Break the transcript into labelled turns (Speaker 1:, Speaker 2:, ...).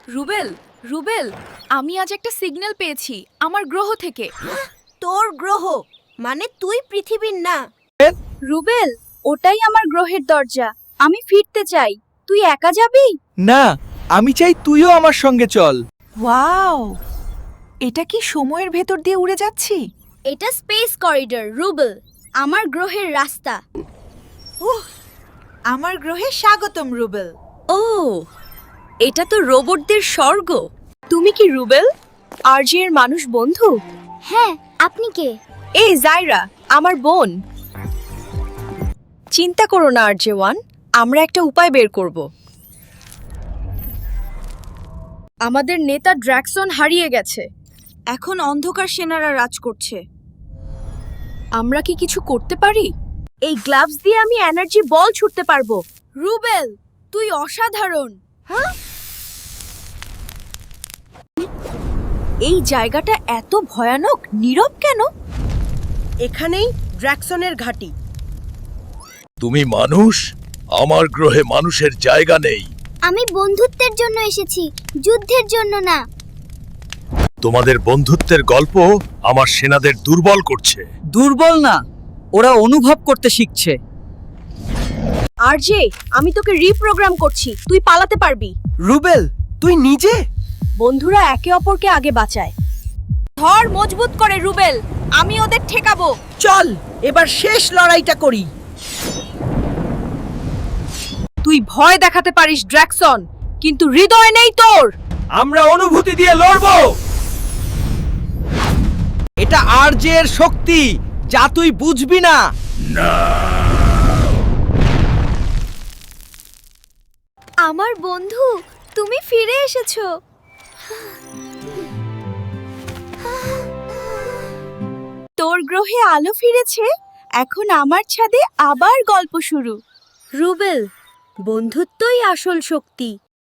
Speaker 1: রুবেল, রুবেল, আমি আজ একটা সিগন্যাল পেয়েছি আমার গ্রহ থেকে।
Speaker 2: তোর গ্রহ মানে তুই পৃথিবীর না।
Speaker 1: রুবেল, ওটাই আমার গ্রহের দরজা। আমি ফিরতে চাই। তুই একা যাবি?
Speaker 3: না, আমি চাই তুইও আমার সঙ্গে চল।
Speaker 4: ওয়াও, এটা কি সময়ের ভেতর দিয়ে উড়ে যাচ্ছি?
Speaker 2: এটা স্পেস করিডর রুবেল, আমার গ্রহের রাস্তা।
Speaker 4: আমার গ্রহে স্বাগতম রুবেল।
Speaker 1: ও, এটা তো রোবটদের স্বর্গ। তুমি কি রুবেল, আরজি এর মানুষ বন্ধু?
Speaker 2: হ্যাঁ, আপনি কে?
Speaker 1: এই জাইরা, আমার বোন। চিন্তা করো না আরজে ওয়ান, আমরা একটা উপায় বের করব। আমাদের নেতা ড্র্যাকসন হারিয়ে গেছে।
Speaker 4: এখন অন্ধকার সেনারা রাজ করছে।
Speaker 1: আমরা কি কিছু করতে পারি? এই গ্লাভস দিয়ে আমি এনার্জি বল ছুটতে পারবো। রুবেল, তুই অসাধারণ। এই জায়গাটা এত ভয়ানক, নীরব কেন?
Speaker 4: এখানেই ড্র্যাকসনের ঘাঁটি।
Speaker 5: তুমি মানুষ? আমার গ্রহে মানুষের জায়গা নেই।
Speaker 2: আমি বন্ধুত্বের জন্য এসেছি, যুদ্ধের জন্য না।
Speaker 5: তোমাদের বন্ধুত্বের গল্প আমার সেনাদের দুর্বল করছে।
Speaker 3: দুর্বল না, ওরা অনুভব করতে শিখছে।
Speaker 1: আরজে, আমি তোকে রিপ্রোগ্রাম করছি, তুই পালাতে পারবি।
Speaker 3: রুবেল, তুই নিজে?
Speaker 1: বন্ধুরা একে অপরকে আগে বাঁচায়। ধর মজবুত করে রুবেল, আমি ওদের ঠেকাবো।
Speaker 4: চল, এবার শেষ লড়াইটা করি।
Speaker 1: তুই ভয় দেখাতে পারিস ড্র্যাকসন, কিন্তু হৃদয় নেই তোর।
Speaker 3: আমরা অনুভূতি দিয়ে লড়বো। এটা আরজে এর শক্তি, যা তুই বুঝবি না।
Speaker 1: আমার বন্ধু, তুমি ফিরে এসেছো। তোর গ্রহে আলো ফিরেছে, এখন আমার ছাদে আবার গল্প শুরু। রুবেল, বন্ধুত্বই আসল শক্তি।